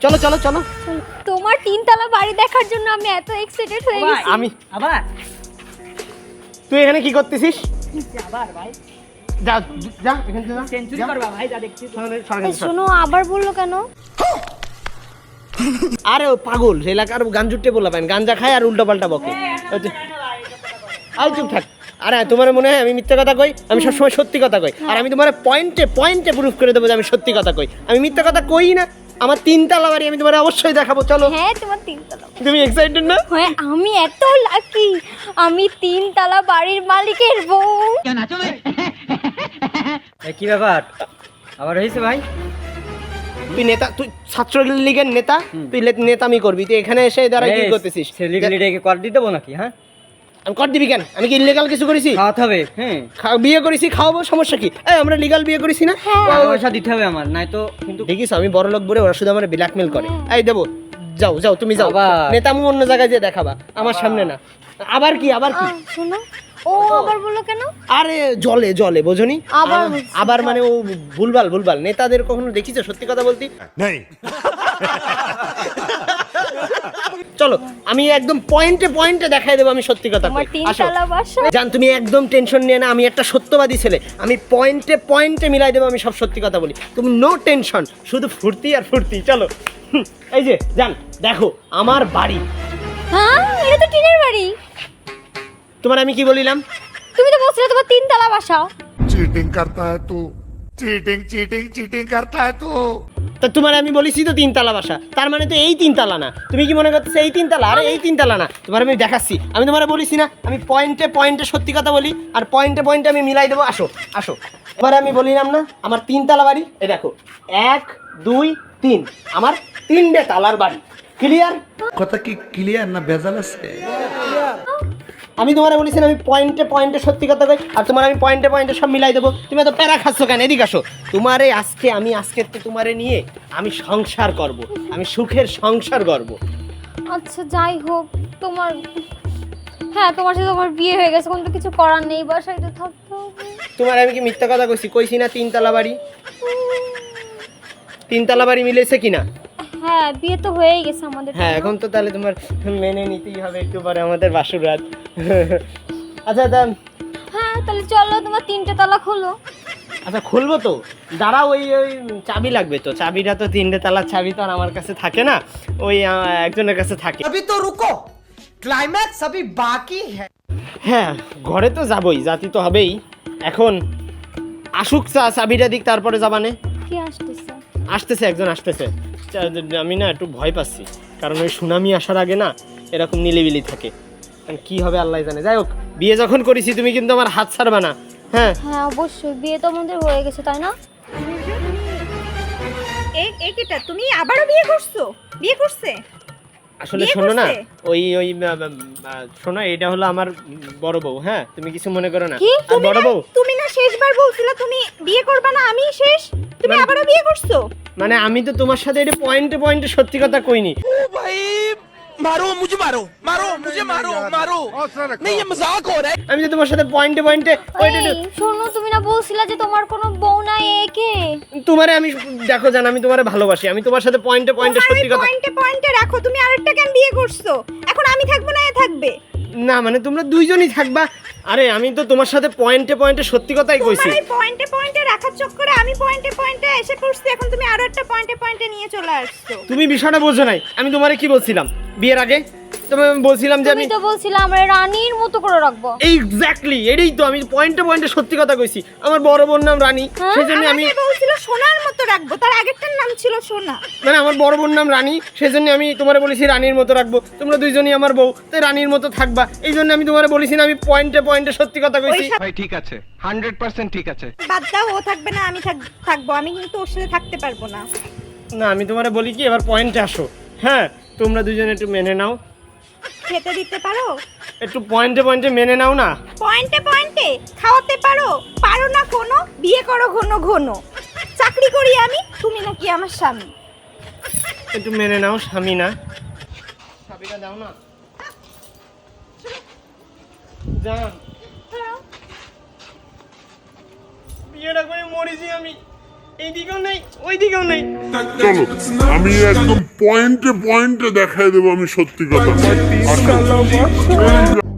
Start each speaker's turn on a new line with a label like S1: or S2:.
S1: চলো চলো চলো।
S2: তোমার তিনতলা বাড়ি দেখার জন্য আমি এত এক্সাইটেড হয়ে গেছি।
S1: আমি
S3: আবার
S1: তুই এখানে কি করতেছিস?
S3: আবার ভাই
S1: যা যা এখান থেকে যা।
S3: সেঞ্চুরি করবা ভাই, যা দেখছি তো।
S2: এই শোনো, আবার বললো কেন?
S1: আরে ও পাগল, এলাকার গাঞ্জুটে বলা পাইন, গাঞ্জা খায় আর উল্টো পাল্টা বকে। আই চুপ থাক। আরে তোমার মনে হয় আমি মিথ্যা কথা কই? আমি সবসময় সত্যি কথা কই। আর আমি তোমার পয়েন্টে পয়েন্টে প্রুফ করে দেবো যে আমি সত্যি কথা কই। আমি মিথ্যা কথা কই না। আমার তিনতলা বাড়ি আমি তোমার অবশ্যই দেখাবো, চলো।
S2: হ্যাঁ, তোমার তিনতলা।
S1: তুমি এক্সাইটেড না?
S2: হ্যাঁ, আমি এত লাকি, আমি তিনতলা বাড়ির মালিকের বউ।
S3: কি ব্যাপার আবার হয়েছে ভাই?
S1: তুই নেতা, তুই ছাত্রলীগের নেতা, তুই নেতামি করবি, তুই এখানে এসে দাঁড়া কি করতেছিস?
S3: সেলিব্রিটিকে কর দিতে দেবো নাকি? হ্যাঁ,
S1: আমি কর দিবি কেন? আমি কি ইলিগাল কিছু করেছি?
S3: খাওয়াতে হবে। হ্যাঁ,
S1: বিয়ে করেছি, খাওয়াবো, সমস্যা কি? এই আমরা লিগাল বিয়ে করেছি না?
S3: টাকা পয়সা দিতে হবে আমার, নাই তো কিন্তু।
S1: দেখিস আমি বড় লোক বলে ওরা শুধু আমার ব্ল্যাকমেল করে। এই দেবো, যাও যাও তুমি যাও।
S3: আবার?
S1: নেতামু অন্য জায়গায় যেয়ে দেখাবা, আমার সামনে না। আবার কি আবার কি?
S2: শোনো, ও আবার বললো কেন?
S1: আরে জলে জলে বোঝনি?
S2: আবার
S1: আবার মানে ও ভুলভাল ভুলভাল। নেতাদের কখনো দেখিছো সত্যি কথা বলতি?
S4: नहीं
S1: চলো আমি একদম পয়েন্টে পয়েন্টে দেখাই দেবো আমি সত্যি কথা
S2: তোমার
S1: কই। আসো
S2: তিনতলা বাসা।
S1: জান, তুমি একদম টেনশন নিয়ে না, আমি একটা সত্যবাদী ছেলে। আমি পয়েন্টে পয়েন্টে মিলাই দেবো, আমি সব সত্যি কথা বলি। তুমি নো টেনশন, শুধু ফুর্তি আর ফুর্তি। চলো এই যে জান, দেখো আমার বাড়ি।
S2: হ্যাঁ, এটা তো টিনের বাড়ি।
S1: তোমার আমি কি বলিলাম?
S2: তুমি তো বলছিলে তোমার তিনতলা বাসা।
S4: चीटिंग करता है तू चीटिंग चीटिंग चीटिंग करता है तू
S1: তা তোমার আমি বলেছি তো তিনতলা বাসা, তার মানে তো এই তিনতলা না। তুমি কি মনে করতেছো এই তিনতলা? আরে এই তিনতলা না, তোমার আমি দেখাচ্ছি। আমি তোমার বলেছি না আমি পয়েন্টে পয়েন্টে সত্যি কথা বলি, আর পয়েন্টে পয়েন্টে আমি মিলাই দেবো। আসো আসো, এবার আমি বলিলাম না আমার তিনতলা বাড়ি। এই দেখো 1 2 3, আমার 3টে তালার বাড়ি। ক্লিয়ার?
S5: কথা কি ক্লিয়ার না ভেজাল আছে?
S1: আমি তোমার বলেছি না আমি পয়েন্টে পয়েন্টে সত্যি কথা কই, আর তোমার আমি পয়েন্টে পয়েন্টে সব মিলাই দেবো। তুমি এত প্যারা খাচ্ছ কেন? এদিকে আসো। তোমারে আজকে আজকে তোমারে নিয়ে আমি সংসার করব, আমি সুখের সংসার করব।
S2: আচ্ছা যাই হোক, তোমার, হ্যাঁ তোমার সাথে তোমার বিয়ে হয়ে গেছে, কোনো তো কিছু করার নেই, বাসায় তো থাকতে হবে।
S1: তোমার আমি কি মিথ্যা কথা কইছি? কইছি না তিনতলা বাড়ি। তিনতলা বাড়ি মিলেছে কিনা?
S2: হ্যাঁ, বিয়ে তো হয়েই গেছে আমাদের।
S1: হ্যাঁ, এখন তো তাহলে তোমার মেনে নিতেই হবে একটু পরে আমাদের বাসর রাত। আচ্ছা
S2: হ্যাঁ, তাহলে চলো তোমার 3টে তালা খোলো।
S1: আচ্ছা খুলবো তো, দাঁড়াও। ওই চাবি লাগবে তো, চাবিটা তো 3টে তালার চাবি তো আর আমার কাছে থাকে না, ওই একজনের কাছে থাকে।
S6: अभी तो रुको, क्लाइमैक्स अभी बाकी है।
S1: হ্যাঁ, ঘরে তো যাবই, জাতি তো হবেই। এখন আসুক চাবিটা দিক, তারপরে যাবানে।
S2: কি আসতেছে?
S1: আসতেছে, একজন আসতেছে। আমি না একটু ভয় পাচ্ছি, কারণ ওই সুনামি আসার আগে না এরকম নিলিবিলি থাকে। কি হবে আল্লাহ জানে। যাই হোক, বিয়ে যখন করেছি তুমি কিন্তু আমার হাত ছাড়বা না। হ্যাঁ
S2: হ্যাঁ অবশ্যই, বিয়ে তো আমাদের হয়ে গেছে, তাই না?
S7: এটা তুমি আবারও বিয়ে করছো? বিয়ে করছে?
S1: আসলে
S7: বিয়ে
S1: শোনো না,
S7: করছে?
S1: ওই শোনো, এটা হলো আমার বড় বউ। হ্যাঁ, তুমি কিছু মনে করো না।
S2: কি?
S1: আর বড় বউ
S7: তুমি না শেষবার বলছিলা তুমি বিয়ে করবে না, আমি শেষ, তুমি
S1: মানে-
S7: আবারও বিয়ে করছো?
S1: মানে আমি তো তোমার সাথে এটা পয়েন্টে পয়েন্টে সত্যি কথা কইনি।
S6: मारो मुझे, मारो मारो मुझे, मारो मारो, नहीं ये मजाक हो रहा है।
S1: আমি যে তোমার সাথে পয়েন্টে পয়েন্টে
S2: এই শোনো, তুমি না বলছিলা যে তোমার কোনো বউ নাই, একে?
S1: তোমারে আমি দেখো জান, আমি তোমারে ভালোবাসি, আমি তোমার সাথে পয়েন্টে পয়েন্টে সত্যি কথা।
S7: পয়েন্টে পয়েন্টে রাখো, তুমি আরেকটা কেন বিয়ে করছো? এখন আমি থাকবো না এ থাকবে?
S1: না মানে তোমরা দুইজনই থাকবা। আরে আমি তো তোমার সাথে পয়েন্টে পয়েন্টে সত্যি কথাই কইছি।
S7: তোমার এই পয়েন্টে পয়েন্টে রাখার চক্করে আমি পয়েন্টে পয়েন্টে এসে পড়ছি, এখন তুমি আরো একটা পয়েন্টে পয়েন্টে নিয়ে চলে আসছো।
S1: তুমি বিষয়টা বোঝো নাই। আমি তোমারে কি বলছিলাম বিয়ের আগে? তোমায় আমি বলছিলাম যে
S2: তুমি তো বলছিলা আমরা রানীর মতো করে রাখবো।
S1: এক্স্যাক্টলি এটাই তো, আমি পয়েন্টে পয়েন্টে সত্যি কথা কইছি। আমার বড় বোন নাম রানী, সেজন্য আমি
S7: আমাকে বলছিল সোনার মতো রাখবো, তার আগেরটার নাম ছিল সোনা।
S1: মানে আমার বড় বোন নাম রানী, সেজন্য আমি তোমারে বলেছি রানীর মতো রাখবো। তোমরা দুইজনই আমার বউ, তাই রানীর মতো থাকবা। এই জন্য আমি তোমারে বলেছি না আমি পয়েন্টে পয়েন্টে সত্যি কথা কইছি।
S8: ভাই ঠিক আছে, 100% ঠিক আছে।
S7: বাদ দাও, ও থাকবে না, আমি থাকবো। আমি কিন্তু ওর সাথে থাকতে পারবো না।
S1: না আমি তোমারে বলি কি, এবার পয়েন্টে আসো। হ্যাঁ, তোমরা দুজনে একটু মেনে নাও,
S7: খেতে দিতে পারো?
S1: একটু পয়েন্টে পয়েন্টে মেনে নাও না।
S7: পয়েন্টে পয়েন্টে খাওয়াতে পারো? পারো না কোনো? বিয়ে করো ঘন ঘন, চাকরি করি আমি, তুমি নাকি আমার স্বামী?
S1: একটু মেনে নাও, স্বামী না। চাবিটা দাও না জান, বিয়েটা করে মরেছি আমি। এইদিকেও নেই, ওইদিকেও নেই।
S4: चलो আমি একদম
S9: পয়েন্টে পয়েন্টে দেখাই দেবো আমি সত্যি কথা